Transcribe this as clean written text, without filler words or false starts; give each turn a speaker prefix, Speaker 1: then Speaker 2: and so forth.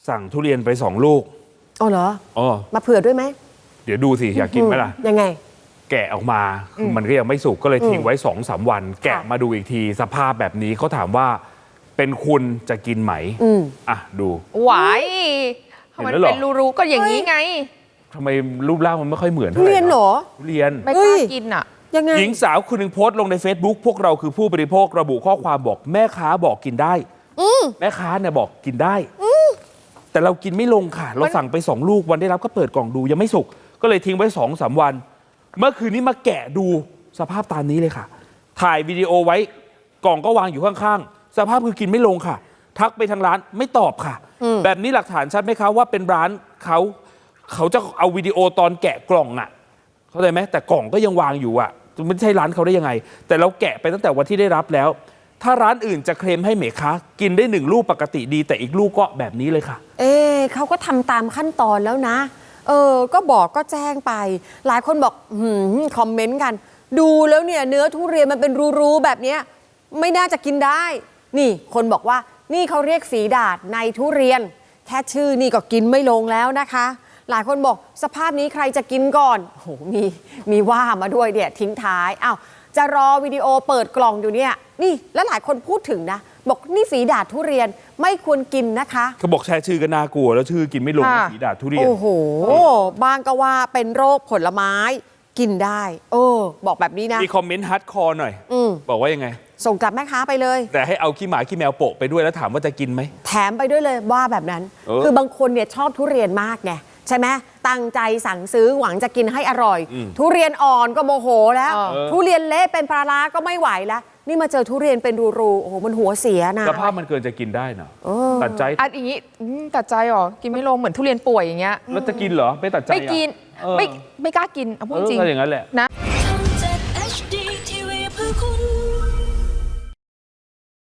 Speaker 1: สั่งทุเรียนไป2 ลูก
Speaker 2: อ๋อเหรอ
Speaker 1: อ๋อ
Speaker 2: มาเผื่อด้วยไหม
Speaker 1: เดี๋ยวดูสิอยากกินไหมล่ะ
Speaker 2: ยังไง
Speaker 1: แกะออกมาคือมันก็ยังไม่สุกก็เลยทิ้งไว้2-3 วันแกะมาดูอีกทีสภาพแบบนี้เขาถามว่าเป็นคุณจะกินไหมอ่ะดู
Speaker 3: หวายมันเป็นรูๆก็อย่างนี้ไง
Speaker 1: ทำไมรูปร่างมันไม่ค่อยเหมือน
Speaker 2: ทุเรียนเหรอ
Speaker 1: ทุเรียน
Speaker 3: ไม่กล้ากินอ่ะ
Speaker 2: ยังไง
Speaker 1: หญิงสาวคนหนึ่งโพสต์ลงใน Facebook พวกเราคือผู้บริโภคระบุข้อความบอกแม่ค้าบอกกินได้แม่ค้าเนี่ยบอกกินได้แต่เรากินไม่ลงค่ะเราสั่งไป2 ลูกวันได้รับก็เปิดกล่องดูยังไม่สุกก็เลยทิ้งไว้2-3 วันเมื่อคืนนี้มาแกะดูสภาพตามนี้เลยค่ะถ่ายวิดีโอไว้กล่องก็วางอยู่ข้างๆสภาพคือกินไม่ลงค่ะทักไปทางร้านไม่ตอบค่ะแบบนี้หลักฐานชัดไหมคะว่าเป็นร้านเขาจะเอาวิดีโอตอนแกะกล่องอ่ะเข้าใจไหมแต่กล่องก็ยังวางอยู่อ่ะไม่ใช่ร้านเขาได้ยังไงแต่เราแกะไปตั้งแต่วันที่ได้รับแล้วถ้าร้านอื่นจะเคลมให้เมค้ากินได้1 ลูกปกติดีแต่อีกลูกก็แบบนี้เลยค่ะ
Speaker 2: เขาก็ทำตามขั้นตอนแล้วนะก็บอกก็แจ้งไปหลายคนบอกคอมเมนต์กันดูแล้วเนี่ยเนื้อทุเรียนมันเป็นรูๆแบบเนี้ยไม่น่าจะกินได้นี่คนบอกว่านี่เขาเรียกฝีดาษในทุเรียนแค่ชื่อนี่ก็กินไม่ลงแล้วนะคะหลายคนบอกสภาพนี้ใครจะกินก่อนโอ้โหมีว่ามาด้วยเนี่ยทิ้งท้ายอ้าวจะรอวิดีโอเปิดกล่องอยู่เนี่ยนี่แล้วหลายคนพูดถึงนะบอกนี่ฝีดาษทุเรียนไม่ควรกินนะคะ
Speaker 1: เขาบอกแชร์ชื่อก็น่ากลัวแล้วชื่อกินไม่ลงฝีดาษทุเรียน
Speaker 2: โอ้โหบางก็ว่าเป็นโรคผลไม้กินได้บอกแบบนี้นะ
Speaker 1: มีคอมเมนต์ฮาร์ดคอร์หน่อยบอกว่ายังไง
Speaker 2: ส่งกลับแม่ค้าไปเลย
Speaker 1: แต่ให้เอาขี้หมาขี้แมวโปะไปด้วยแล้วถามว่าจะกินไหม
Speaker 2: แถมไปด้วยเลยว่าแบบนั้นคือบางคนเนี่ยชอบทุเรียนมากไงใช่ไหมตั้งใจสั่งซื้อหวังจะกินให้อร่อยทุเรียนอ่อนก็โมโหแล้วทุเรียนเละเป็นปลาร้าก็ไม่ไหวแล้วนี่มาเจอทุเรียนเป็นรูๆโอ้โหมันหัวเสียนะ
Speaker 1: สภาพมันเกินจะกินได้เนาะตัดใจ
Speaker 3: อย่างนี้ตัดใจหรอกินไม่ลงเหมือนทุเรียนป่วยอย่างเงี้ย
Speaker 1: แล้วจะกินเหรอไม่ตัดใจ
Speaker 3: ไม่กินไม่กล้ากินเอาพูดจริง
Speaker 1: อย่างนั้นแหละ
Speaker 3: นะ